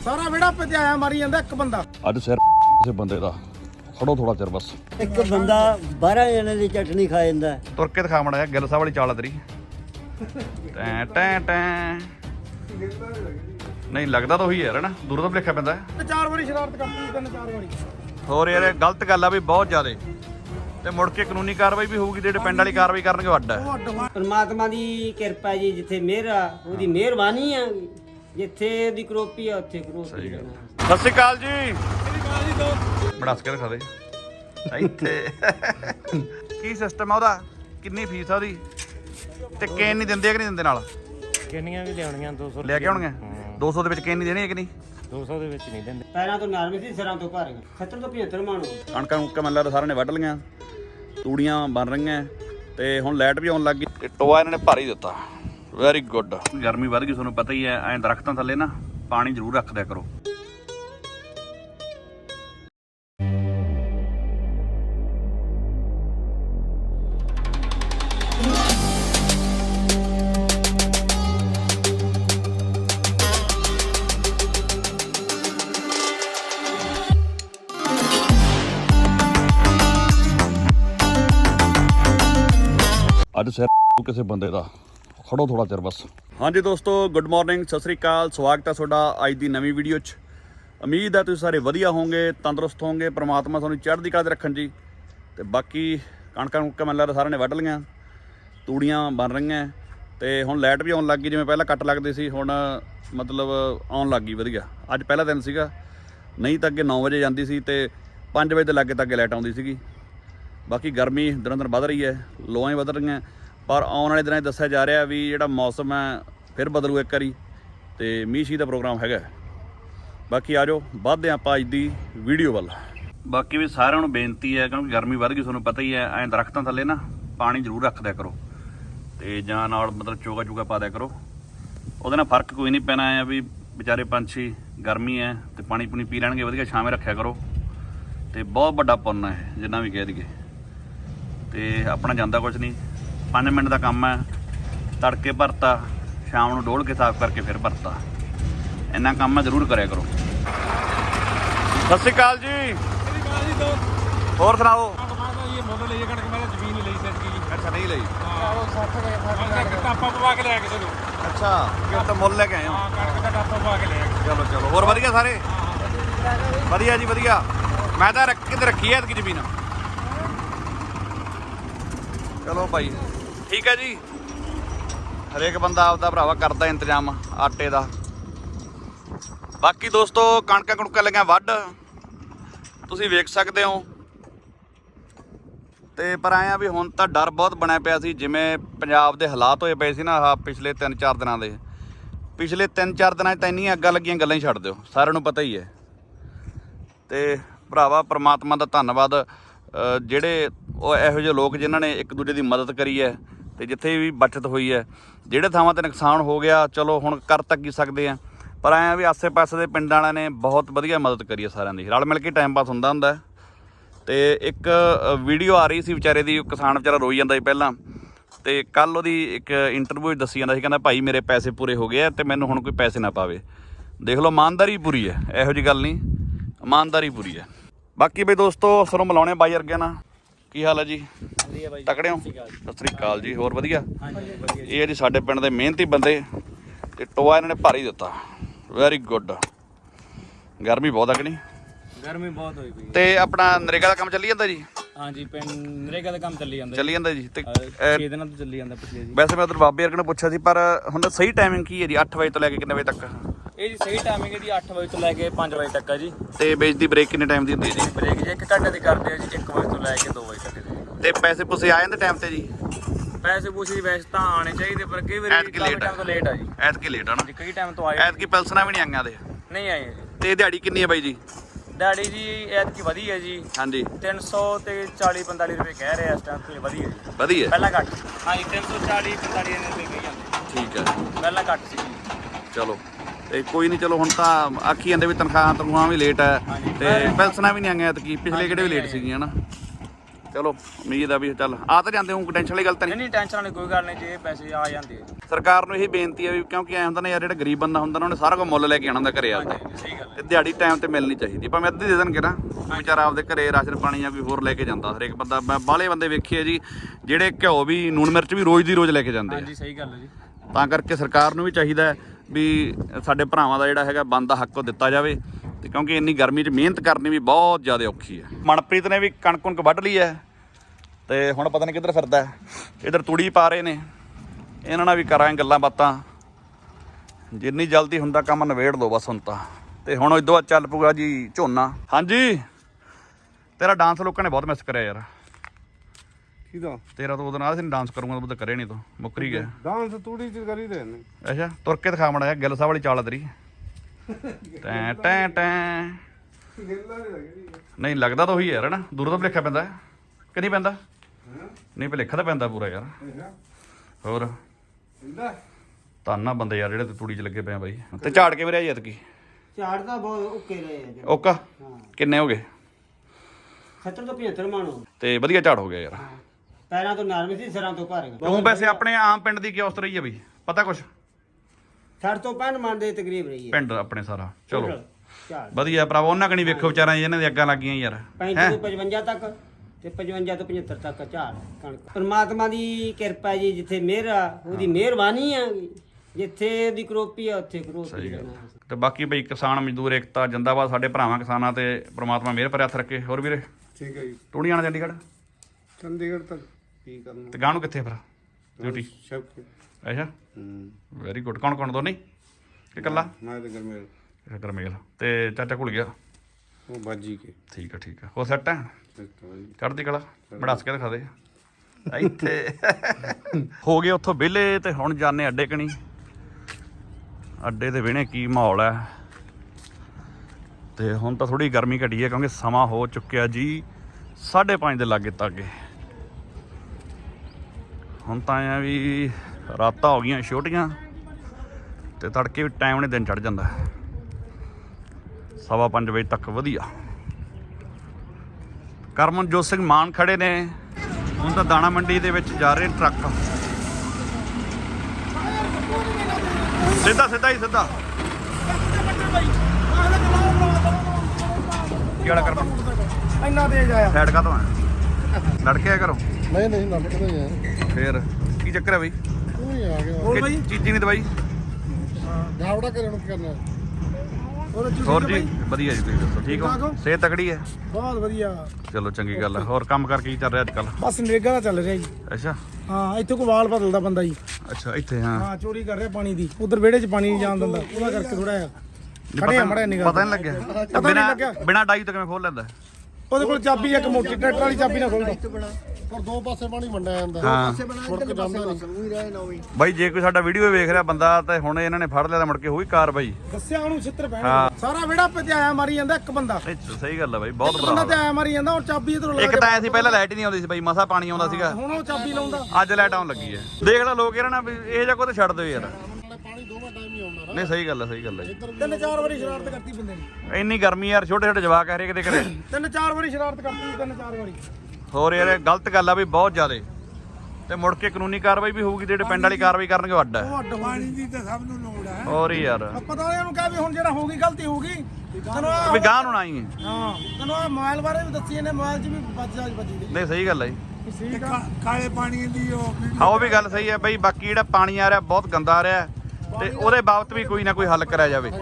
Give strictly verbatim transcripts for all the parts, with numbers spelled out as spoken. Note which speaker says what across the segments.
Speaker 1: ਸਾਰਾ ਵਿਹੜਾ ਤੇ ਆਇਆ ਮਾਰੀ ਜਾਂਦਾ ਇੱਕ ਬੰਦਾ।
Speaker 2: ਅੱਜ ਸਿਰ ਕਿਸੇ ਬੰਦੇ ਦਾ ਖੜੋ ਥੋੜਾ ਚਿਰ ਬਸ।
Speaker 3: ਇੱਕ ਬੰਦਾ ਬਾਰਾਂ ਜਣੇ ਦੀ ਚਟਨੀ ਖਾ ਜਾਂਦਾ।
Speaker 2: ਤੁਰ ਕੇ ਦਿਖਾ ਮੜਾ ਗਿੱਲ ਸਾਹਿਬ ਵਾਲੀ ਚਾਲ ਆ ਤੇਰੀ। ਟੈਂ ਟੈਂ ਟੈਂ ਨਹੀਂ ਲੱਗਦਾ ਤਾਂ ਉਹੀ ਯਾਰ ਨਾ, ਦੂਰੋਂ ਤਾਂ ਲਿਖਿਆ ਪੈਂਦਾ।
Speaker 1: ਤੇ ਚਾਰ ਵਾਰੀ ਸ਼ਰਾਰਤ ਕਰਤੀ, ਤਿੰਨ ਚਾਰ ਵਾਰੀ।
Speaker 2: ਹੋਰ ਯਾਰ ਇਹ ਗਲਤ ਗੱਲ ਆ ਵੀ ਬਹੁਤ ਜ਼ਿਆਦੇ, ਤੇ ਮੁੜ ਕੇ ਕਾਨੂੰਨੀ ਕਾਰਵਾਈ ਵੀ ਹੋਊਗੀ, ਜਿਹੜੇ ਪਿੰਡ ਵਾਲੀ ਕਾਰਵਾਈ ਕਰਨਗੇ ਉਹ ਅੱਡ ਹੈ।
Speaker 3: ਪਰਮਾਤਮਾ ਦੀ ਕਿਰਪਾ ਜੀ, ਜਿੱਥੇ ਮਿਹਰ ਆ ਉਹਦੀ ਮਿਹਰਬਾਨੀ ਆ, ਜਿੱਥੇ ਦੀ ਕਰੋਪੀ ਆ ਉੱਥੇ ਕਰੋਪੀ।
Speaker 2: ਸਤਿ ਸ਼੍ਰੀ ਅਕਾਲ ਜੀ। ਬੜਾ ਹੱਸ ਕੇ ਦਿਖਾ ਦੇ ਇੱਥੇ। ਕੀ ਸਿਸਟਮ ਆ ਉਹਦਾ, ਕਿੰਨੀ ਫੀਸ ਆ ਉਹਦੀ, ਤੇ ਕੇਨ ਨਹੀਂ ਦਿੰਦੇ ਕਿ ਨਹੀਂ ਦਿੰਦੇ? ਨਾਲ
Speaker 4: ਕਿੰਨੀਆਂ ਵੀ ਲਿਆਉਣੀਆਂ ਦੋ ਸੌ
Speaker 2: ਲੈ ਕੇ ਆਉਣਗੇ। ਦੋ ਸੌ ਦੇ ਵਿੱਚ ਕੇਨ ਨਹੀਂ ਦੇਣੀ ਹੈ ਕਿ ਨਹੀਂ?
Speaker 4: ਦੋ ਸੌ ਦੇ ਵਿੱਚ ਨਹੀਂ ਦਿੰਦੇ।
Speaker 3: ਪੈਰਾਂ ਤੋਂ ਨਰਮ ਸੀ, ਸਿਰਾਂ ਤੋਂ ਭਾਰੀਆਂ। ਸੱਤਰ ਤੋਂ ਪਝੱਤਰ ਮਣ
Speaker 2: ਕਣਕਾਂ ਕੁਣਕਾਂ ਮੰਨ ਲਾ ਸਾਰਿਆਂ ਨੇ ਵੱਢ ਲਈਆਂ, ਤੂੜੀਆਂ ਬਣ ਰਹੀਆਂ, ਤੇ ਹੁਣ ਲਾਈਟ ਵੀ ਆਉਣ ਲੱਗ ਗਈ, ਤੇ ਟੋਆ ਇਹਨਾਂ ਨੇ ਭਾਰੀ ਦਿੱਤਾ। Very good. ਗਰਮੀ ਵੱਧ ਗਈ, ਤੁਹਾਨੂੰ ਪਤਾ ਹੀ ਹੈ। ਐਂ ਦਰਖਤਾਂ ਥੱਲੇ ਨਾ ਪਾਣੀ ਜ਼ਰੂਰ ਰੱਖ ਦਿਆ ਕਰੋ। ਅੱਜ ਸਿਰ ਕਿਸੇ ਬੰਦੇ ਦਾ ਖੜੋ ਥੋੜਾ ਚਿਰ ਬਸ। ਹਾਂਜੀ ਦੋਸਤੋ, ਗੁੱਡ ਮਾਰਨਿੰਗ, ਸਤਿ ਸ੍ਰੀ ਅਕਾਲ। ਸਵਾਗਤ ਹੈ ਤੁਹਾਡਾ ਅੱਜ ਦੀ ਨਵੀਂ ਵੀਡੀਓ 'ਚ। ਉਮੀਦ ਹੈ ਤੁਸੀਂ ਸਾਰੇ ਵਧੀਆ ਹੋਵੋਗੇ, ਤੰਦਰੁਸਤ ਹੋਵੋਗੇ। ਪ੍ਰਮਾਤਮਾ ਤੁਹਾਨੂੰ ਚੜ੍ਹਦੀ ਕਲਾ 'ਚ ਰੱਖਣ ਜੀ। ਤੇ ਬਾਕੀ ਕਣਕਾਂ ਕੁਣਕਾਂ ਮੰਨ ਲਾ ਸਾਰਿਆਂ ਨੇ ਵੱਢ ਲਈਆਂ, ਤੂੜੀਆਂ ਬਣ ਰਹੀਆਂ, ਤੇ ਹੁਣ ਲਾਈਟ ਵੀ ਆਉਣ ਲੱਗ ਗਈ। ਜਿਵੇਂ ਪਹਿਲਾਂ ਕੱਟ ਲੱਗਦੇ ਸੀ, ਹੁਣ ਮਤਲਬ ਆਉਣ ਲੱਗ ਗਈ ਵਧੀਆ। ਅੱਜ ਪਹਿਲਾ ਦਿਨ ਸੀਗਾ, ਨਹੀਂ ਤਾਂ ਅੱਗੇ ਨੌ ਵਜੇ ਜਾਂਦੀ ਸੀ ਤੇ ਪੰਜ ਵਜੇ ਦੇ ਲਾਗੇ ਤੱਕ ਲਾਈਟ ਆਉਂਦੀ ਸੀਗੀ। ਬਾਕੀ ਗਰਮੀ ਦਿਨੋਂ ਦਿਨ ਵੱਧ ਰਹੀ ਹੈ, ਲੋਆਂ ਹੀ ਵੱਧ ਰਹੀਆਂ, ਪਰ ਆਉਣ ਵਾਲੇ ਦਿਨਾਂ 'ਚ ਦੱਸਿਆ ਜਾ ਰਿਹਾ ਵੀ ਜਿਹੜਾ ਮੌਸਮ ਹੈ ਫਿਰ ਬਦਲੂ ਇੱਕ ਵਾਰੀ, ਤੇ ਮੀਂਹ ਸ਼ੀਂਹ ਦਾ ਪ੍ਰੋਗਰਾਮ ਹੈਗਾ। ਬਾਕੀ ਆ ਜਾਓ ਵੱਧਦੇ ਆਪਾਂ ਅੱਜ ਦੀ ਵੀਡੀਓ ਵੱਲ। ਬਾਕੀ ਵੀ ਸਾਰਿਆਂ ਨੂੰ ਬੇਨਤੀ ਹੈ, ਕਿਉਂਕਿ ਗਰਮੀ ਵੱਧ ਗਈ, ਤੁਹਾਨੂੰ ਪਤਾ ਹੀ ਹੈ। ਐਂ ਦਰਖਤਾਂ ਥੱਲੇ ਨਾ ਪਾਣੀ ਜ਼ਰੂਰ ਰੱਖ ਦਿਆ ਕਰੋ, ਤੇ ਜਾਂ ਨਾਲ ਮਤਲਬ ਚੋਗਾ ਚੂਗਾ ਪਾ ਦਿਆ ਕਰੋ। ਉਹਦੇ ਨਾਲ ਫਰਕ ਕੋਈ ਨਹੀਂ ਪੈਣਾ। ਆ ਵੀ ਵਿਚਾਰੇ ਪੰਛੀ ਗਰਮੀ ਹੈ ਤੇ ਪਾਣੀ ਪੂਣੀ ਪੀ ਲੈਣਗੇ, ਵਧੀਆ ਛਾਵੇਂ ਰੱਖਿਆ ਕਰੋ। ਤੇ ਬਹੁਤ ਵੱਡਾ ਪੁੰਨ ਹੈ ਇਹ, ਜਿੰਨਾ ਵੀ ਕਹਿ ਦਈਏ। ਤੇ ਆਪਣਾ ਜਾਂਦਾ ਕੁਛ ਨਹੀਂ, ਪੰਜ ਮਿੰਟ ਦਾ ਕੰਮ ਹੈ। ਤੜਕੇ ਭਰਤਾ, ਸ਼ਾਮ ਨੂੰ ਡੋਲ ਕੇ ਸਾਫ਼ ਕਰਕੇ ਫਿਰ ਭਰਤਾ, ਇੰਨਾ ਕੰਮ ਹੈ, ਜ਼ਰੂਰ ਕਰਿਆ ਕਰੋ। ਸਤਿ ਸ਼੍ਰੀ ਅਕਾਲ ਜੀ। ਹੋਰ ਸੁਣਾਓ? ਅੱਛਾ, ਨਹੀਂ ਲਈ। ਅੱਛਾ, ਕਿਉਂ ਤਾਂ ਮੁੱਲ ਲੈ ਕੇ ਆਏ ਹੋ? ਚਲੋ ਚਲੋ, ਹੋਰ ਵਧੀਆ ਸਾਰੇ? ਵਧੀਆ ਜੀ ਵਧੀਆ। ਮੈਂ ਤਾਂ ਰੱਖ ਕਿਤੇ ਰੱਖੀ ਐ ਐਤਕੀ ਜ਼ਮੀਨ। ਚਲੋ ਭਾਈ ਠੀਕ ਹੈ ਜੀ। ਹਰੇਕ ਬੰਦਾ ਆਪਦਾ ਭਰਾਵਾ ਕਰਦਾ ਇੰਤਜ਼ਾਮ ਆਟੇ ਦਾ। ਬਾਕੀ ਦੋਸਤੋ ਕਣਕਾਂ ਕੁਣਕਾਂ ਲੱਗੀਆਂ ਵੱਢ, ਤੁਸੀਂ ਵੇਖ ਸਕਦੇ ਹੋ। ਤੇ ਪਰ ਆਏ ਆ ਵੀ ਹੁਣ ਤਾਂ ਡਰ ਬਹੁਤ ਬਣਿਆ ਪਿਆ ਸੀ, ਜਿਵੇਂ ਪੰਜਾਬ ਦੇ ਹਾਲਾਤ ਹੋਏ ਪਏ ਸੀ ਨਾ ਆਹ ਪਿਛਲੇ ਤਿੰਨ ਚਾਰ ਦਿਨਾਂ ਦੇ। ਪਿਛਲੇ ਤਿੰਨ ਚਾਰ ਦਿਨਾਂ 'ਚ ਤਾਂ ਇੰਨੀਆਂ ਅੱਗਾਂ ਲੱਗੀਆਂ, ਗੱਲਾਂ ਹੀ ਛੱਡ ਦਿਓ, ਸਾਰਿਆਂ ਨੂੰ ਪਤਾ ਹੀ ਹੈ। ਤੇ ਭਰਾਵਾ ਪਰਮਾਤਮਾ ਦਾ ਧੰਨਵਾਦ, ਜਿਹੜੇ ਉਹ ਇਹੋ ਜਿਹੇ ਲੋਕ ਜਿਨ੍ਹਾਂ ਨੇ ਇੱਕ ਦੂਜੇ ਦੀ ਮਦਦ ਕਰੀ ਹੈ, ਤੇ ਜਿੱਥੇ ਵੀ ਬਚਤ ਹੋਈ ਹੈ। ਜਿਹੜੇ ਥਾਵਾਂ 'ਤੇ ਨੁਕਸਾਨ ਹੋ ਗਿਆ, ਚਲੋ ਹੁਣ ਕਰ ਤਾਂ ਕੀ ਸਕਦੇ ਆ, ਪਰ ਐਂ ਵੀ ਆਸੇ ਪਾਸੇ ਦੇ ਪਿੰਡਾਂ ਵਾਲਿਆਂ ਨੇ ਬਹੁਤ ਵਧੀਆ ਮਦਦ ਕਰੀ ਹੈ ਸਾਰਿਆਂ ਦੀ। ਰਲ ਮਿਲ ਕੇ ਟਾਈਮ ਪਾਸ ਹੁੰਦਾ ਹੁੰਦਾ। ਤੇ ਇੱਕ ਵੀਡੀਓ ਆ ਰਹੀ ਸੀ ਵਿਚਾਰੇ ਦੀ, ਕਿਸਾਨ ਵਿਚਾਰਾ ਰੋਈ ਜਾਂਦਾ ਸੀ ਪਹਿਲਾਂ, ਤੇ ਕੱਲ੍ਹ ਉਹਦੀ ਇੱਕ ਇੰਟਰਵਿਊ ਦੱਸੀ ਜਾਂਦਾ ਸੀ, ਕਹਿੰਦਾ ਭਾਈ ਮੇਰੇ ਪੈਸੇ ਪੂਰੇ ਹੋ ਗਏ ਆ ਤੇ ਮੈਨੂੰ ਹੁਣ ਕੋਈ ਪੈਸੇ ਨਾ ਪਾਵੇ। ਦੇਖ ਲਓ, ਇਮਾਨਦਾਰੀ ਪੂਰੀ ਹੈ, ਇਹੋ ਜਿਹੀ ਗੱਲ ਨਹੀਂ, ਇਮਾਨਦਾਰੀ ਪੂਰੀ ਹੈ। ਬਾਕੀ ਬਈ ਦੋਸਤੋ ਸਾਨੂੰ ਮਿਲਾਉਣੇ ਬਾਈ ਵਰਗੇ ਨਾ। ਕੀ ਹਾਲ ਹੈ ਜੀ? ਤਕੜੇ ਹੋ? ਸਤਿ ਸ੍ਰੀ ਅਕਾਲ ਜੀ। ਹੋਰ ਵਧੀਆ? ਇਹ ਹੈ ਜੀ ਸਾਡੇ ਪਿੰਡ ਦੇ ਮਿਹਨਤੀ ਬੰਦੇ, ਤੇ ਟੋਆ ਇਹਨਾਂ ਨੇ ਭਾਰੀ ਦਿੱਤਾ। Very good. ਗਰਮੀ ਬਹੁਤ ਹੈ ਕਿ ਨਹੀਂ?
Speaker 4: ਗਰਮੀ ਬਹੁਤ ਹੋਈ ਪਈ।
Speaker 2: ਤੇ ਆਪਣਾ ਨਰੇਗਾ ਦਾ ਕੰਮ ਚੱਲੀ ਜਾਂਦਾ ਜੀ?
Speaker 4: ਹਾਂਜੀ, ਪਿੰਡ ਨਰੇਗਾ ਦਾ ਕੰਮ ਚੱਲੀ ਜਾਂਦਾ
Speaker 2: ਚੱਲੀ ਜਾਂਦਾ ਜੀ। ਤੇ
Speaker 4: ਛੇ ਦਿਨਾਂ ਤੋਂ ਚੱਲੀ ਜਾਂਦਾ ਪਿਛਲੇ ਜੀ।
Speaker 2: ਵੈਸੇ ਮੈਂ ਉਧਰ ਬਾਬੇ ਵਰਗੇ ਨੂੰ ਪੁੱਛਿਆ ਸੀ, ਪਰ ਹੁਣ ਸਹੀ ਟਾਈਮਿੰਗ ਕੀ ਹੈ ਜੀ? ਅੱਠ ਵਜੇ ਤੋਂ ਲੈ ਕੇ ਕਿੰਨੇ ਵਜੇ ਤੱਕ?
Speaker 4: ਇਹ ਜੀ ਸਹੀ ਟਾਈਮਿੰਗ ਇਹਦੀ ਅੱਠ ਵਜੇ ਤੋਂ ਲੈ ਕੇ ਪੰਜ ਵਜੇ ਤੱਕ ਆ ਜੀ।
Speaker 2: ਤੇ ਵਿੱਚ ਦੀ ਬ੍ਰੇਕ ਕਿੰਨੇ ਟਾਈਮ ਦੀ ਹੁੰਦੀ ਹੈ ਜੀ?
Speaker 4: ਬ੍ਰੇਕ ਜੀ ਇੱਕ ਘੰਟੇ ਦੀ ਕਰਦੇ ਆ ਜੀ, ਇੱਕ ਵਜੇ ਤੋਂ ਲੈ ਕੇ ਦੋ ਵਜੇ ਤੱਕ ਜੀ।
Speaker 2: ਤੇ ਪੈਸੇ ਪੂਸੇ ਆ ਜਾਂਦੇ ਟਾਈਮ ਤੇ ਜੀ?
Speaker 4: ਪੈਸੇ ਪੂਸੇ ਵੈਸੇ ਤਾਂ ਆਣੇ ਚਾਹੀਦੇ, ਪਰ ਕਈ ਵਾਰੀ
Speaker 2: ਐਤਕੀ
Speaker 4: ਕਾਫੀ
Speaker 2: ਲੇਟ
Speaker 4: ਟਾਈਮ ਤੋਂ ਲੇਟ ਆ ਜੀ।
Speaker 2: ਐਤਕੀ ਲੇਟ ਆ ਨਾ?
Speaker 4: ਕਈ ਟਾਈਮ ਤੋਂ ਆਏ
Speaker 2: ਐਤਕੀ ਪੈਲਸਨਾਂ ਵੀ ਨਹੀਂ ਆਈਆਂ ਦੇ?
Speaker 4: ਨਹੀਂ ਆਏ ਜੀ।
Speaker 2: ਤੇ ਦਿਹਾੜੀ ਕਿੰਨੀ ਹੈ ਬਾਈ ਜੀ?
Speaker 4: ਡੈਡੀ ਜੀ ਐਤਕੀ ਵਧੀਆ ਜੀ।
Speaker 2: ਹਾਂਜੀ,
Speaker 4: ਤਿੰਨ ਸੌ ਤੇ ਚਾਲੀ ਪੰਤਾਲੀ ਰੁਪਏ ਕਹਿ ਰਹੇ ਆ ਇਸ ਟਾਈਮ ਤੇ। ਵਧੀਆ ਜੀ,
Speaker 2: ਵਧੀਆ
Speaker 4: ਪਹਿਲਾਂ ਘੱਟ। ਹਾਂਜੀ, ਤਿੰਨ ਸੌ ਚਾਲੀ ਪੰਤਾਲੀ ਰੁਪਏ ਕਹੀ ਜਾਂਦੇ।
Speaker 2: ਠੀਕ ਹੈ,
Speaker 4: ਪਹਿਲਾਂ ਘੱਟ ਸੀ।
Speaker 2: ਚਲੋ ਤੇ ਕੋਈ ਨਹੀਂ। ਚਲੋ ਹੁਣ ਤਾਂ ਆਖੀ ਜਾਂਦੇ ਵੀ ਤਨਖਾਹਾਂ ਤਨਖਾਹਾਂ ਵੀ ਲੇਟ ਹੈ, ਤੇ ਪੈਲਸਨਾਂ ਵੀ ਨਹੀਂ ਆਈਆਂ ਐਤਕੀ। ਪਿਛਲੇ ਕਿਹੜੇ ਵੀ ਲੇਟ ਸੀਗੀਆਂ ਨਾ। ਚਲੋ ਉਮੀਦ ਆ ਵੀ ਚੱਲ ਆ ਤਾਂ ਜਾਂਦੇ ਹੂੰ, ਟੈਨਸ਼ਨ ਵਾਲੀ ਗੱਲ ਤਾਂ
Speaker 4: ਨਹੀਂ
Speaker 2: ਨਹੀਂ।
Speaker 4: ਨਹੀਂ ਟੈਨਸ਼ਨ ਵਾਲੀ ਕੋਈ ਗੱਲ ਨਹੀਂ ਜੀ, ਪੈਸੇ ਆ ਜਾਂਦੇ ਆ।
Speaker 2: ਸਰਕਾਰ ਨੂੰ ਇਹੀ ਬੇਨਤੀ ਹੈ ਵੀ ਕਿਉਂਕਿ ਐ ਹੁੰਦਾ ਨਾ ਯਾਰ, ਜਿਹੜਾ ਗਰੀਬ ਬੰਦਾ ਹੁੰਦਾ ਨਾ ਉਹਨੇ ਸਾਰਾ ਕੁਝ ਮੁੱਲ ਲੈ ਕੇ ਆਉਣਾ ਹੁੰਦਾ ਘਰੇ ਆਪਦੇ,
Speaker 4: ਸਹੀ ਗੱਲ ਹੈ।
Speaker 2: ਤੇ ਦਿਹਾੜੀ ਟਾਈਮ ਤੇ ਮਿਲਣੀ ਚਾਹੀਦੀ। ਭਾਵੇਂ ਅੱਧੀ ਦੇ ਦੇਣਗੇ ਨਾ, ਵਿਚਾਰਾ ਆਪਦੇ ਘਰੇ ਰਾਸ਼ਨ ਪਾਣੀ ਜਾਂ ਕੋਈ ਹੋਰ ਲੈ ਕੇ ਜਾਂਦਾ। ਹਰੇਕ ਬੰਦਾ, ਮੈਂ ਬਾਹਲੇ ਬੰਦੇ ਵੇਖੇ ਆ ਜੀ ਜਿਹੜੇ ਘਿਓ ਵੀ, ਨੂਣ ਮਿਰਚ ਵੀ ਰੋਜ਼ ਦੀ ਰੋਜ਼ ਲੈ ਕੇ ਜਾਂਦੇ ਆ।
Speaker 4: ਹਾਂਜੀ ਸਹੀ ਗੱਲ ਹੈ ਜੀ।
Speaker 2: ਤਾਂ ਕਰਕੇ ਸਰਕਾਰ ਨੂੰ ਵੀ ਚਾਹੀਦਾ ਹੈ ਵੀ ਸਾਡੇ ਭਰਾਵਾਂ ਦਾ ਜਿਹੜਾ ਹੈਗਾ ਬਣਦਾ ਹੱਕ ਉਹ ਦਿੱਤਾ ਜਾਵੇ, ਤੇ ਕਿਉਂਕਿ ਇੰਨੀ ਗਰਮੀ 'ਚ ਮਿਹਨਤ ਕਰਨੀ ਵੀ ਬਹੁਤ ਜ਼ਿਆਦਾ ਔਖੀ ਹੈ। ਮਨਪ੍ਰੀਤ ਨੇ ਵੀ ਕਣਕ ਕੁਣਕ ਵੱਢ ਲਈ ਹੈ, ਤੇ ਹੁਣ ਪਤਾ ਨਹੀਂ ਕਿੱਧਰ ਫਿਰਦਾ। ਇੱਧਰ ਤੂੜੀ ਪਾ ਰਹੇ ਨੇ, ਇਹਨਾਂ ਨਾਲ ਵੀ ਕਰਾਂਗੇ ਗੱਲਾਂ ਬਾਤਾਂ। ਜਿੰਨੀ ਜਲਦੀ ਹੁੰਦਾ ਕੰਮ ਨਿਬੇੜ ਲਓ ਬਸ ਹੁਣ ਤਾਂ। ਤੇ ਹੁਣ ਇਦੋਂ ਬਾਅਦ ਚੱਲ ਪਊਗਾ ਜੀ ਝੋਨਾ। ਹਾਂਜੀ, ਤੇਰਾ ਡਾਂਸ ਲੋਕਾਂ ਨੇ ਬਹੁਤ ਮਿਸ ਕਰਿਆ ਯਾਰ।
Speaker 1: ਕਿਹਦਾ?
Speaker 2: ਤੇਰਾ ਤਾਂ ਉਹਦੇ ਨਾਲ ਸੀ ਡਾਂਸ ਕਰੂੰਗਾ, ਉਹ ਤਾਂ ਕਰੇ ਨਹੀਂ, ਤੂੰ ਮੁੱਕਰੀ ਗਿਆ।
Speaker 1: ਡਾਂਸ ਤੂੜੀ ਚ ਕਰੀ ਦੇ ਨੇ।
Speaker 2: ਅੱਛਾ, ਤੁਰ ਕੇ ਦਿਖਾ ਮੜਾ ਗਿੱਲ ਸਾਹਿਬ ਵਾਲੀ ਚਾਲ ਆ ਤੇਰੀ। ਟੈਂ ਟੈਂ ਟੈਂ। ਨਹੀਂ ਲੱਗਦਾ ਤਾਂ ਉਹੀ ਯਾਰ ਨਾ, ਦੂਰੋਂ ਤਾਂ ਭੁਲੇਖਾ ਪੈਂਦਾ ਕਿ ਨਹੀਂ ਪੈਂਦਾ? ਨਹੀਂ ਭੁਲੇਖਾ ਤਾਂ ਪੈਂਦਾ ਪੂਰਾ ਯਾਰ। ਹੋਰ ਧੰਨਾ ਬੰਦੇ ਯਾਰ ਜਿਹੜੇ ਤੇ ਤੂੜੀ 'ਚ ਲੱਗੇ ਪਏ ਆ ਬਾਈ। ਤੇ ਝਾੜ ਕੇ ਵੀ ਰਿਹਾ ਐਤਕੀ?
Speaker 3: ਝਾੜ ਤਾਂ ਬਹੁਤ ਓਕੇ ਰਹੇ ਆ।
Speaker 2: ਓਕਾ ਕਿੰਨੇ ਹੋ ਗਏ?
Speaker 3: ਸੱਤਰ ਤੋਂ ਪਝੱਤਰ ਮਣ ਹੋ
Speaker 2: ਤੇ ਵਧੀਆ ਝਾੜ ਹੋ ਗਿਆ ਯਾਰ।
Speaker 3: ਪੈਰਾਂ ਤੋਂ ਨਰਮ ਸੀ, ਸਿਰਾਂ ਤੋਂ ਭਾਰੇ।
Speaker 2: ਤੂੰ ਵੈਸੇ ਆਪਣੇ ਆਮ ਪਿੰਡ ਦੀ ਕੀ ਔਸਤ ਰਹੀ ਹੈ ਬਈ, ਪਤਾ ਕੁਛ?
Speaker 3: ਸੱਠ ਤੋਂ ਪੈਂਹਠ ਮਣ ਦੇ ਤਕਰੀਬ ਰਹੀ ਹੈ
Speaker 2: ਪਿੰਡ ਆਪਣੇ ਸਾਰਾ। ਚਲੋ
Speaker 3: ਝਾੜ
Speaker 2: ਵਧੀਆ ਭਰਾਵਾ, ਉਹਨਾਂ ਕਣੀ ਵੇਖੋ ਵਿਚਾਰਾਂ ਜਿਹਨਾਂ ਦੀ ਅੱਗਾਂ ਲੱਗੀਆਂ ਯਾਰ।
Speaker 3: ਪੈਂਤੀ ਤੋਂ ਪਚਵੰਜਾ ਤੱਕ, ਤੇ ਪਚਵੰਜਾ ਤੋਂ ਪਝੱਤਰ ਤੱਕ ਝਾੜ ਕਣਕ। ਪਰਮਾਤਮਾ ਦੀ ਕਿਰਪਾ ਜੀ, ਜਿੱਥੇ ਮਿਹਰ ਆ ਉਹਦੀ ਮਿਹਰਬਾਨੀ ਆ, ਜਿੱਥੇ ਉਹਦੀ ਕਰੋਪੀ ਆ ਉੱਥੇ ਕਰੋਪੀ ਰਹਿਣਾ।
Speaker 2: ਤੇ ਬਾਕੀ ਬਈ ਕਿਸਾਨ ਮਜ਼ਦੂਰ ਏਕਤਾ ਜਿੰਦਾਬਾਦ, ਸਾਡੇ ਭਰਾਵਾਂ ਕਿਸਾਨਾਂ ਤੇ ਪ੍ਰਮਾਤਮਾ ਮਿਹਰ ਭਰਿਆ ਹੱਥ ਰੱਖੇ। ਹੋਰ ਵੀਰੇ
Speaker 1: ਠੀਕ ਹੈ ਜੀ।
Speaker 2: ਤੂੰ ਨਹੀਂ ਆਉਣਾ ਚੰਡੀਗੜ੍ਹ?
Speaker 1: ਚੰਡੀਗੜ੍ਹ ਤੱਕ ਕੀ ਕਰਨਾ?
Speaker 2: ਤੇ ਗਾਂ ਨੂੰ ਕਿੱਥੇ ਫਿਰ ਡਿਊਟੀ?
Speaker 1: ਸ਼ਬ
Speaker 2: ਅੱਛਾ,
Speaker 1: ਹੂੰ
Speaker 2: ਵੈਰੀ ਗੁੱਡ। ਕੌਣ ਕੌਣ ਦੋਨੇ ਕਿ ਇਕੱਲਾ?
Speaker 1: ਮੈਂ ਤੇ ਗਰਮੇਲ
Speaker 2: ਅੱਛਾ ਗਰਮੇਲ। ਤੇ ਚਾਚਾ ਘੁਲ ਗਿਆ?
Speaker 1: ਉਹ ਬਾਜੀ ਕੇ।
Speaker 2: ਠੀਕ ਆ ਠੀਕ ਆ। ਹੋ ਸੈੱਟ ਹੈ?
Speaker 1: ਜੀ
Speaker 2: ਚੜ੍ਹਦੀ ਕਲਾ। ਬੜਾਸ ਕੇ ਦਿਖਾ ਦੇ ਇੱਥੇ। ਹੋ ਗਏ ਉੱਥੋਂ ਵਿਹਲੇ ਤੇ ਹੁਣ ਜਾਣੇ ਅੱਡੇ ਕਣੀ। ਅੱਡੇ ਦੇ ਵਿਹਣੇ ਕੀ ਮਾਹੌਲ ਹੈ। ਤੇ ਹੁਣ ਤਾਂ ਥੋੜੀ ਗਰਮੀ ਘਟੀ ਹੈ ਕਿਉਂਕਿ ਸਮਾਂ ਹੋ ਚੁੱਕਿਆ ਜੀ ਸਾਢੇ ਪੰਜ ਦੇ ਲਾਗੇ ਤਾਗੇ। ਹੁਣ ਤਾਂ ਐਂ ਵੀ ਰਾਤਾਂ ਹੋ ਗਈਆਂ ਛੋਟੀਆਂ, ਤੇ ਤੜਕੇ ਵੀ ਟਾਈਮ ਨੇ ਦਿਨ ਚੜ ਜਾਂਦਾ ਸਵਾ ਪੰਜ ਵਜੇ ਤੱਕ ਵਧੀਆ। ਕਰਮਨਜੋਤ ਸਿੰਘ ਮਾਨ ਖੜੇ ਨੇ। ਹੁਣ ਤਾਂ ਦਾਣਾ ਮੰਡੀ ਦੇ ਵਿੱਚ ਜਾ ਰਹੇ ਟਰੱਕ। ਸਿੱਧਾ ਸਿੱਧਾ ਹੀ ਸਿੱਧਾ। ਕੀ ਵਾਲਾ ਕਰਮਨ?
Speaker 1: ਇੰਨਾ ਤੇਜ਼ ਆਇਆ।
Speaker 2: ਸਾਈਡ ਕਾ ਤੋਂ ਲੜ ਕੇ ਆਇਆ ਕਰੋ।
Speaker 1: ਨਹੀਂ ਨਹੀਂ ਲੜਕਦਾ ਹੀ ਆ।
Speaker 2: ਫੇਰ ਕੀ ਚੱਕਰ ਹੈ ਬਈ?
Speaker 1: ਤੂੰ ਹੀ ਆ ਗਿਆ।
Speaker 2: ਹੋਰ ਬਈ ਚੀਜ਼ੀ ਨਹੀਂ ਦਵਾਈ?
Speaker 1: ਗਾਵੜਾ ਕਰਨ ਨੂੰ ਕੀ ਕਰਨਾ?
Speaker 2: ਹੋਰ ਜੀ ਵਧੀਆ ਜੀ, ਤੁਸੀਂ ਦੱਸੋ ਠੀਕ ਹੋ? ਸਿਹਤ ਤਕੜੀ ਹੈ?
Speaker 1: ਬਹੁਤ ਵਧੀਆ।
Speaker 2: ਚਲੋ ਚੰਗੀ ਗੱਲ ਹੈ। ਹੋਰ ਕੰਮ ਕਰਕੇ ਕੀ ਚੱਲ ਰਿਹਾ ਅੱਜ ਕੱਲ?
Speaker 1: ਬਸ ਨਰੇਗਾ ਦਾ ਚੱਲ ਰਿਹਾ ਜੀ।
Speaker 2: ਅੱਛਾ
Speaker 1: ਹਾਂ, ਇੱਥੇ ਕੋ ਵਾਲ ਬਦਲਦਾ ਬੰਦਾ ਜੀ।
Speaker 2: ਅੱਛਾ ਇੱਥੇ ਹਾਂ
Speaker 1: ਹਾਂ, ਚੋਰੀ ਕਰ ਰਿਹਾ ਪਾਣੀ ਦੀ। ਉਧਰ ਵਿਹੜੇ 'ਚ ਪਾਣੀ ਨਹੀਂ ਜਾਣ ਦਿੰਦਾ, ਉਹਦਾ ਕਰਕੇ ਥੋੜਾ ਜਿਹਾ ਖੜੇ ਆ ਮੜਾ ਨਿਗਾਹ।
Speaker 2: ਪਤਾ ਨਹੀਂ ਲੱਗਿਆ?
Speaker 1: ਪਤਾ ਨਹੀਂ
Speaker 2: ਬਿਨਾ
Speaker 1: ਲੱਗਿਆ।
Speaker 2: ਬਿਨਾ ਡਾਈ ਤੋਂ ਕਿਵੇਂ ਖੋਲ ਲੈਂਦਾ?
Speaker 1: ਉਹਦੇ ਕੋਲ ਚਾਬੀ ਇੱਕ ਮੋਟੀ ਟਰੈਕਟਰ ਵਾਲੀ ਚਾਬੀ ਨਾਲ ਖੋਲਦਾ।
Speaker 5: ਪਰ ਦੋ ਪਾਸੇ ਪਾਣੀ ਵੰਡਿਆ ਜਾਂਦਾ।
Speaker 2: ਹਾਂ
Speaker 5: ਮੁੜ ਕੇ ਜਾਂਦਾ ਨਹੀਂ।
Speaker 2: ਬਾਈ ਜੇ ਕੋਈ ਸਾਡਾ ਵੀਡੀਓ ਵੇਖ ਰਿਹਾ ਬੰਦਾ ਤੇ ਹੁਣ ਇਹਨਾਂ ਨੇ ਫੜ ਲਿਆ ਤਾਂ ਮੁੜ ਕੇ ਹੋਈ ਕਾਰਵਾਈ।
Speaker 1: ਦੱਸਿਆ ਉਹਨੂੰ ਛਿੱਤਰ ਪੈਣੇ।
Speaker 2: ਹਾਂ।
Speaker 1: ਸਾਰਾ ਵਿਹੜਾ ਪੇ ਤੇ ਆਇਆ ਮਾਰੀ ਜਾਂਦਾ ਇੱਕ ਬੰਦਾ।
Speaker 2: ਨਹੀਂ ਸਹੀ ਗੱਲ ਹੈ ਬਾਈ, ਬਹੁਤ
Speaker 1: ਇੱਕ ਬੰਦਾ
Speaker 2: ਬੁਰਾ
Speaker 1: ਤੇ ਆਇਆ ਮਾਰੀ ਜਾਂਦਾ। ਹੁਣ ਚਾਬੀ ਇਧਰੋਂ ਲਾ
Speaker 2: ਇੱਕ ਤਾਂ ਐ ਸੀ ਪਹਿਲਾਂ ਲਾਈਟ ਹੀ ਨਹੀਂ ਆਉਂਦੀ ਸੀ ਬਾਈ, ਮਸਾ ਪਾਣੀ ਆਉਂਦਾ ਸੀਗਾ।
Speaker 1: ਹੁਣ ਉਹ ਚਾਬੀ ਲਾਉਂਦਾ।
Speaker 2: ਅੱਜ ਲਾਈਟ ਆਉਣ ਲੱਗੀ ਹੈ। ਦੇਖ ਲੈ ਲੋਕ ਇਹਨਾਂ ਨਾਲ ਵੀ ਇਹ ਜਿਹਾ ਕੋਈ ਛੱਡ ਦਿਓ ਯਾਰ।
Speaker 5: ਪਾਣੀ ਦੋਵਾਂ ਟਾਈਮ ਹੀ ਆਉਂਦਾ।
Speaker 2: ਨਹੀਂ ਸਹੀ ਗੱਲ ਹੈ, ਸਹੀ ਗੱਲ ਹੈ।
Speaker 1: ਤਿੰਨ ਚਾਰ ਵਾਰੀ ਸ਼ਰਾਰਤ ਕਰਤੀ ਬੰਦੇ ਨੇ।
Speaker 2: ਇੰਨੀ ਗਰਮੀ ਯਾਰ, ਛੋਟੇ ਛੋਟੇ ਜਵਾਕ ਹਰੇਕ ਦੇ ਘਰੇ।
Speaker 1: ਤਿੰਨ ਚਾਰ ਵਾਰੀ ਸ਼ਰਾਰਤ ਕਰਤੀ। ਤਿੰਨ ਚਾਰ ਵਾਰੀ।
Speaker 2: ਹੋਰ ਯਾਰ ਇਹ ਗਲਤ ਗੱਲ ਆ ਵੀ ਬਹੁਤ ਜ਼ਿਆਦੇ। ਤੇ ਮੁੜ ਕੇ ਕਾਨੂੰਨੀ ਕਾਰਵਾਈ ਵੀ ਹੋਊਗੀ, ਜਿਹੜੇ ਪਿੰਡ ਵਾਲੀ ਕਾਰਵਾਈ ਕਰਨਗੇ ਉਹ ਅੱਡ ਹੈ।
Speaker 1: ਉਹ ਅੱਡ ਪਾਣੀ ਦੀ ਤਾਂ ਸਭ ਨੂੰ ਲੋੜ ਹੈ।
Speaker 2: ਹੋਰ ਹੀ ਯਾਰ
Speaker 1: ਪਤਾ ਨਹੀਂ ਉਹਨੂੰ ਕਹਿ ਵੀ ਹੁਣ ਜਿਹੜਾ ਹੋ ਗਈ ਗਲਤੀ ਹੋ ਗਈ। ਤੈਨੂੰ ਆਹ-
Speaker 2: ਵੀ ਗਾਂ ਨੂੰ ਨਾ ਆਈ।
Speaker 1: ਹਾਂ, ਤੈਨੂੰ ਆ ਮੋਬਾਈਲ ਬਾਰੇ ਵੀ ਦੱਸੀ ਇਹਨੇ। ਮੋਬਾਈਲ 'ਚ ਵੀ ਬਚ ਜਾ ਬਚੀ ਦੀ।
Speaker 2: ਨਹੀਂ ਸਹੀ ਗੱਲ ਹੈ ਜੀ।
Speaker 1: ਠੀਕ ਆ। ਕਾਲੇ ਪਾਣੀ ਦੀ ਉਹ
Speaker 2: ਹਾਂ ਉਹ ਵੀ ਗੱਲ ਸਹੀ ਹੈ ਬਈ। ਬਾਕੀ ਜਿਹੜਾ ਪਾਣੀ ਆ ਰਿਹਾ ਬਹੁਤ ਗੰਦਾ ਆ ਰਿਹਾ, ਤੇ ਉਹਦੇ ਬਾਬਤ ਵੀ ਕੋਈ ਨਾ ਕੋਈ ਹੱਲ ਕਰਿਆ ਜਾਵੇ।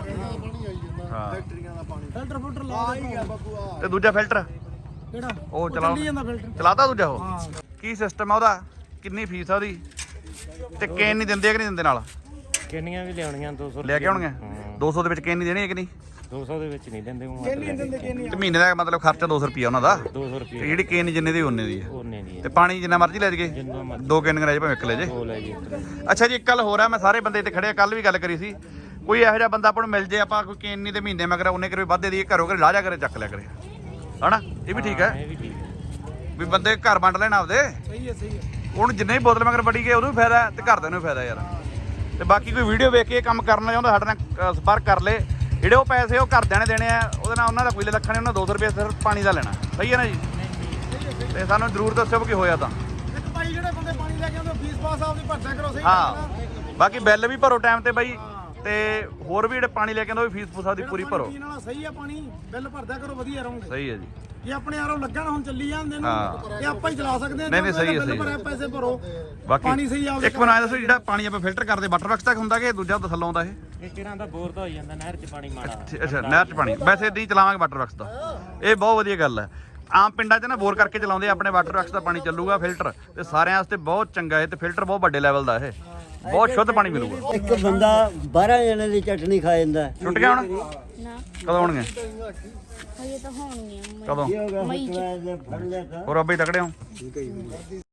Speaker 2: ਹਾਂ
Speaker 1: ਫਿਲਟਰ ਫਿਲਟਰ ਲਾ ਹੀ ਗਿਆ ਬਾਬੂ ਆ।
Speaker 2: ਤੇ ਦੂਜਾ ਫਿਲਟਰ
Speaker 1: ਕਿਹੜਾ?
Speaker 2: ਉਹ
Speaker 1: ਚੱਲੀ
Speaker 2: ਚਲਾਓ,
Speaker 1: ਜਾਂਦਾ ਫਿਲਟਰ।
Speaker 2: ਚਲਾਤਾ ਦੂਜਾ ਉਹ?
Speaker 1: ਹਾਂ।
Speaker 2: ਕੀ ਸਿਸਟਮ ਆ ਉਹਦਾ? ਕਿੰਨੀ ਫੀਸ ਆ ਉਹਦੀ? ਤੇ ਕੇਨ ਨਹੀਂ ਦਿੰਦੇ ਕਿ ਨਹੀਂ ਦਿੰਦੇ ਨਾਲ?
Speaker 6: ਕਿੰਨੀਆਂ ਵੀ ਲਿਆਉਣੀਆਂ ਦੋ ਸੌ
Speaker 2: ਲੈ ਕੇ ਆਉਣਗੇ? ਦੋ ਸੌ ਦੇ ਵਿੱਚ ਕੇਨ ਨਹੀਂ ਦੇਣੀ ਹੈ ਕਿ ਨਹੀਂ?
Speaker 6: ਦੋ ਸੌ ਦੇ ਵਿੱਚ ਨਹੀਂ ਦਿੰਦੇ ਉਹ
Speaker 1: ਕਿੰਨੀ ਦਿੰਦੇ ਕਿੰਨੀ?
Speaker 2: ਤੇ ਮਹੀਨੇ ਦਾ ਮਤਲਬ ਖਰਚਾ ਦੋ ਸੌ ਰੁਪਿਆ ਉਹਨਾਂ ਦਾ।
Speaker 6: ਦੋ ਸੌ
Speaker 2: ਤੇ
Speaker 6: ਰੁਪਏ
Speaker 2: ਜਿਹੜੀ ਕੇਨ ਜਿੰਨੇ ਦੀ ਉਹਨੇ ਦੀ ਹੈ।
Speaker 6: ਉਹਨੇ ਦੀ
Speaker 2: ਤੇ ਪਾਣੀ ਜਿੰਨਾ ਮਰਜ਼ੀ ਲੈ ਜਗੇ।
Speaker 6: ਜਿੰਨਾ ਮਰਜ਼ੀ
Speaker 2: ਦੋ ਕੇਨ ਲੈ ਜੇ ਭਾਵੇਂ ਇੱਕ ਲੈ ਜੇ।
Speaker 6: ਉਹ ਲੈ ਜੀ।
Speaker 2: ਅੱਛਾ ਜੀ, ਇੱਕ ਗੱਲ ਹੋਰ ਆ, ਮੈਂ ਸਾਰੇ ਬੰਦੇ ਤੇ ਖੜੇ ਕੱਲ ਵੀ ਗੱਲ ਕਰੀ ਸੀ। ਕੋਈ ਇਹੋ ਜਿਹਾ ਬੰਦਾ ਆਪਾਂ ਨੂੰ ਮਿਲ ਜੇ, ਆਪਾਂ ਕੋਈ ਕੇਨ ਨਹੀਂ ਤੇ ਮਹੀਨੇ ਮਗਰ ਉਹਨੇ ਕਰੇ ਵੱਧ ਦੇ ਦਈਏ, ਘਰੋਂ ਘਰੇ ਲਾ ਜਾ ਕਰੇ ਚੱਕ ਲਿਆ ਕਰੇ, ਹਨਾ? ਇਹ ਵੀ ਠੀਕ ਹੈ
Speaker 6: ਇਹ ਵੀ ਠੀਕ ਹੈ।
Speaker 2: ਵੀ ਬੰਦੇ ਘਰ ਵੰਡ ਲੈਣ ਆਪਦੇ।
Speaker 1: ਸਹੀ ਹੈ ਸਹੀ ਹੈ।
Speaker 2: ਉਹਨੂੰ ਜਿੰਨੇ ਵੀ ਬੋਤਲ ਮਗਰ ਵੱਡੀ ਗਏ ਉਹਨੂੰ ਵੀ ਫਾਇਦਾ ਤੇ ਘਰਦਿਆਂ ਨੂੰ ਵੀ ਫਾਇਦਾ ਯਾਰ। ਤੇ ਬਾਕੀ ਕੋਈ ਵੀਡੀਓ ਵੇਖ ਕੇ ਇਹ ਕੰਮ ਕਰਨਾ ਚਾਹੁੰਦਾ ਸਾਡੇ ਨਾਲ ਸੰਪਰਕ ਕਰ ਲੇ। ਜਿਹੜੇ ਉਹ ਪੈਸੇ ਉਹ ਘਰਦਿਆਂ ਨੇ ਦੇਣੇ ਆ, ਉਹਦੇ ਨਾਲ ਉਹਨਾਂ ਦਾ ਕੋਈ ਲੱਖਾਂ ਨਹੀਂ, ਉਹਨਾਂ ਦੋ ਸੌ ਰੁਪਏ ਸਿਰਫ ਪਾਣੀ ਦਾ ਲੈਣਾ। ਸਹੀ ਹੈ ਨਾ ਜੀ? ਤੇ ਸਾਨੂੰ ਜ਼ਰੂਰ ਦੱਸਿਓ ਕਿ ਹੋਇਆ ਤਾਂ
Speaker 1: ਇੱਕ ਭਾਈ ਜਿਹੜੇ ਬੰਦੇ ਪਾਣੀ ਲੈ ਕੇ ਆਉਂਦੇ ਫੀਸ ਪਾਸ ਆਪਦੀ ਭਰਦਿਆ ਕਰੋ ਸਹੀ
Speaker 2: ਹਾਂ ਬਾਕੀ ਬਿੱਲ ਵੀ ਭਰੋ ਟਾਈਮ ਤੇ ਬਾਈ ਤੇ ਹੋਰ ਵੀ ਜਿਹੜੇ ਪਾਣੀ ਲੈ ਕੇ ਆਉਂਦੇ ਉਹ ਵੀ ਫੀਸ ਫੂਸ ਆਪਦੀ ਪੂਰੀ ਭਰੋ
Speaker 1: ਪੀਣ ਵਾਲਾ ਸਹੀ ਆ ਪਾਣੀ ਬਿੱਲ ਭਰਦਿਆ ਕਰੋ ਵਧੀਆ ਰਹੋਗੇ
Speaker 2: ਸਹੀ ਹੈ ਜੀ
Speaker 1: ਜੇ ਆਪਣੇ ਆਰੋ ਲੱਗਣ ਹੁਣ ਚੱਲੀ ਜਾਂਦੇ ਨੇ
Speaker 2: ਹਾਂ।
Speaker 1: ਤੇ ਆਪਾਂ ਹੀ ਚਲਾ ਸਕਦੇ ਆ
Speaker 2: ਨਹੀਂ, ਨਹੀਂ, ਸਹੀ ਹੈ,
Speaker 1: ਬਿੱਲ
Speaker 2: ਸਹੀ ਹੈ।
Speaker 1: ਭਰਿਆ ਪੈਸੇ ਭਰੋ
Speaker 2: ਬਾਕੀ
Speaker 1: ਪਾਣੀ ਸਹੀ ਆਵੇ
Speaker 2: ਇੱਕ ਬਣਾਇਆ ਦੱਸੋ ਜਿਹੜਾ ਪਾਣੀ ਆਪਾਂ ਫਿਲਟਰ ਕਰਦੇ ਵਾਟਰ ਵਰਕਸ ਤੱਕ ਹੁੰਦਾ ਕਿ ਦੂਜਾ ਥੱਲੋਂ ਆਉਂਦਾ ਇਹ
Speaker 6: ਇਹ ਕਿਰਾਂ ਦਾ ਬੋਰ ਤਾਂ ਹੋ ਜਾਂਦਾ ਨਹਿਰ 'ਚ ਪਾਣੀ ਮਾੜਾ
Speaker 2: ਅੱਛਾ ਨਹਿਰ 'ਚ ਪਾਣੀ ਵੈਸੇ ਨਹੀਂ ਚਲਾਵਾਂਗੇ ਵਾਟਰ ਵਰਕਸ ਦਾ ਇਹ ਬਹੁਤ ਵਧੀਆ ਗੱਲ ਹੈ ਆਮ ਪਿੰਡਾਂ 'ਚ ਨਾ ਬੋਰ ਕਰਕੇ ਚਲਾਉਂਦੇ ਆ, ਆਪਣੇ ਵਾਟਰ ਵਰਕਸ ਦਾ ਪਾਣੀ ਚੱਲੂਗਾ ਫਿਲਟਰ ਤੇ ਸਾਰਿਆਂ ਵਾਸਤੇ ਬਹੁਤ ਚੰਗਾ ਹੈ ਤੇ ਫਿਲਟਰ ਬਹੁਤ ਵੱਡੇ ਲੈਵਲ ਦਾ ਇਹ ਬਹੁਤ ਸ਼ੁੱਧ ਪਾਣੀ ਮਿਲੂਗਾ
Speaker 3: ਇੱਕ ਬੰਦਾ ਬਾਰਾਂ ਜਣੇ ਦੀ ਚਟਨੀ ਖਾ ਜਾਂਦਾ
Speaker 2: ਛੁੱਟ ਗਿਆ ਹੁਣ
Speaker 7: ਨਾ
Speaker 2: ਕਦੋਂ ਹੋਣਗੇ
Speaker 7: ਹਜੇ ਤਾਂ ਹੋਣਗੀਆਂ
Speaker 2: ਕਦੋਂ
Speaker 3: ਕੀ ਹੋ ਗਿਆ
Speaker 7: ਮਈ ਚ।
Speaker 3: ਫੜ ਲਿਆ ਤਾਂ
Speaker 2: ਹੋਰ ਅੱਬੇ ਤਕੜੇ ਹੋ